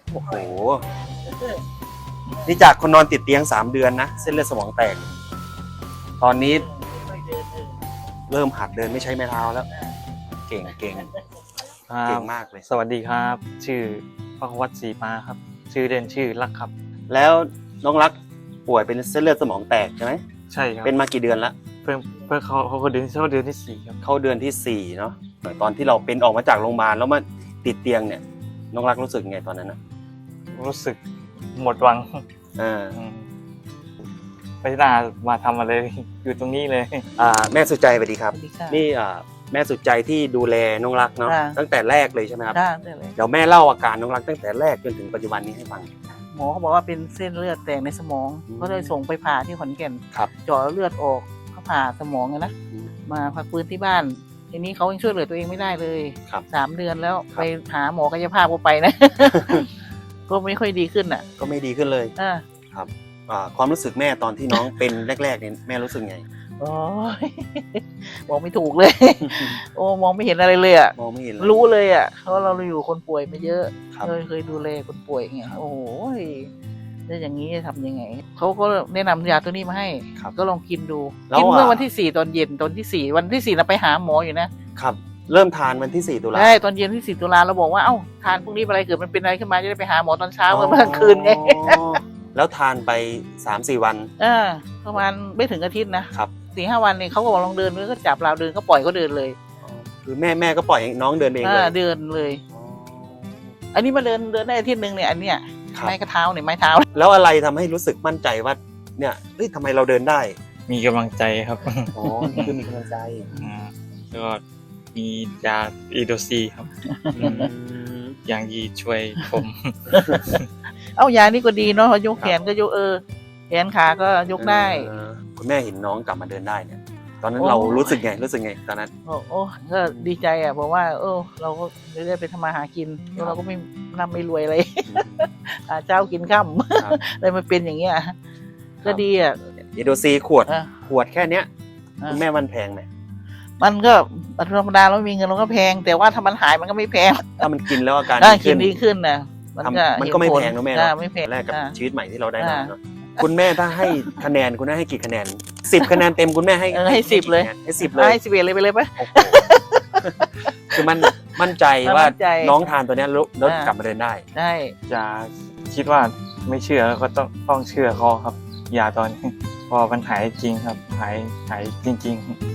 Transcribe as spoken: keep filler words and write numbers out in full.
โอ้โหนี่จากคนนอนติดเตียงสามเดือนนะเส้นเลือดสมองแตกตอนนี้เริ่มหัดเดินไม่ใช้ไม้เท้าแล้วเก่งเก่งเก่งมากเลยสวัสดีครับชื่อพระวัฒน์ศรีมาครับชื่อเด่นชื่อรักครับแล้วน้องรักป่วยเป็นเส้นเลือดสมองแตกใช่ไหมใช่ครับเป็นมากี่เดือนละเพิ่งเพิ่งเขาเขาเดือนเข้าเดือนที่สี่ครับเข้าเดือนที่สี่เนาะตอนที่เราเป็นออกมาจากโรงพยาบาลแล้วมาติดเตียงเนี่ยน้องรักรู้สึกไงตอนนั้นนะรู้สึกหมดหวังอ่าอืมไม่น่ามาทำอะไรอยู่ตรงนี้เลยอ่าแม่สุดใจสวัสดีครับสวัสดีค่ะนี่อ่าแม่สุดใจที่ดูแลน้องรักเนาะค่ะตั้งแต่แรกเลยใช่ไหมครับได้ได้เลยเดี๋ยวแม่เล่าอาการน้องรักตั้งแต่แรกจนถึงปัจจุบันนี้ให้ฟังหมอเขาบอกว่าเป็นเส้นเลือดแตกในสมองอืมก็เลยส่งไปผ่าที่ขอนแก่นครับเจาะเลือดออกเขาผ่าสมองไงนะมาพักฟื้นที่บ้านทีนี้เขายังช่วยเหลือตัวเองไม่ได้เลยครับสามเดือนแล้วครับไปหาหมอกายภาพก็ไปนะ ก็ไม่ค่อยดีขึ้นอ่ะก็ไม่ดีขึ้นเลยอ่าครับอ่าความรู้สึกแม่ตอนที่น้องเป็นแรกๆเนี่ยแม่รู้สึกไงโอ้ย บอกไม่ถูกเลย โอ้มองไม่เห็นอะไรเลยอ่ะมองไม่เห็นเลยรู้เลยอ่ะเพราะเราอยู่คนป่วยมาเยอะครับเคยเคยดูแลคนป่วยไงครับโอ้โหแล้วอย่างนี้จะทำยังไงเขาก็แนะนำยาตัวนี้มาให้ครับก็ลองกินดูแล้วกินเมื่ออ่ะวันที่สี่ตอนเย็นตอนที่สี่วันที่สี่เราไปหาหมออยู่นะครับเริ่มทานวันที่สี่ตุลาใช่ตอนเย็นที่สี่ตุลาเราบอกว่าเอ้าทานพรุ่งนี้อะไรเกิดมันเป็นอะไรขึ้นมาจะได้ไปหาหมอตอนเช้าเมื่อเมื่อกลางคืนไงอ๋อแล้วทานไปสามสี่วันเออประมาณไม่ถึงอาทิตย์นะครับ สี่ห้าวันเนี่ยเขาก็บอกลองเดินก็จับเราเดินก็ปล่อยก็เดินเลยคือแม่แม่ก็ปล่อยให้น้องเดินเองเอเลอย เดินเลยอ๋ออันนี้มาเดินเดินได้อาทิตย์หนึ่งเนี่ยอันเนี้ยครับไม้กระเท้าเนี่ยไม้เท้าแล้วอะไรทำให้รู้สึกมั่นใจว่าเนี่ยเฮ้ยทำไมเราเดินได้มีกำลังใจครับอ๋อนี่คือมีกำลังใจอ่าแล้วก็มียาอีโดซีครับอืมอย่างยีช่วยผมเอ้ายานี่ก็ดีเนาะพอยกแขนก็ยกเออแขนขาก็ยกได้เออคุณแม่เห็นน้องกลับมาเดินได้เนี่ย ตอนนั้นโอ้เรารู้สึกไงรู้สึกไงตอนนั้นโอ้โอ้ก็ดีใจอ่ะเพราะว่า เออ เราก็ได้ไปทำมาหากินแล้วเราก็ไม่ร่ำไม่รวยอะไร หาเจ้ากินข้ามครับเลยมันเป็นอย่างเงี้ยก็ดีอ่ะเอโดซีขวดอ่ะขวดแค่เนี้ยอ่ะคุณแม่มันแพงไหมมันก็ธรรมดาเรามีเงินเราก็แพง แต่ว่าถ้ามันหายมันก็ไม่แพงถ้ามันกินแล้วอาการถ้าดีกิขึ้นนดีขึ้นนะมันก็ทำมันก็ไม่เห็ผลแพงนะแม่อ่าเนาะไม่แพงแรกกับอ่าชีวิตใหม่ที่เราได้มาอ่าเนาะคุณแม่ถ้าให้คะแนนคุณแม่ให้กี่คะแนนสิบคะแนนเต็มคุณแม่ให้เออให้สิบเลยกี่คะแนนให้สิบเลยให้สิบเอ็ดเลยไปเลยปะโอ้โหคือมันมั่นใจมั่นว่าใจน้องทานตัวเนี้ยแล้วแล้วอ่ากลับมาเดินได้ได้จะคิดว่าไม่เชื่อก็ต้องต้องเชื่อเขาครับยาตอนนี้เพอมันหายจริงครับหายหายจริง ๆ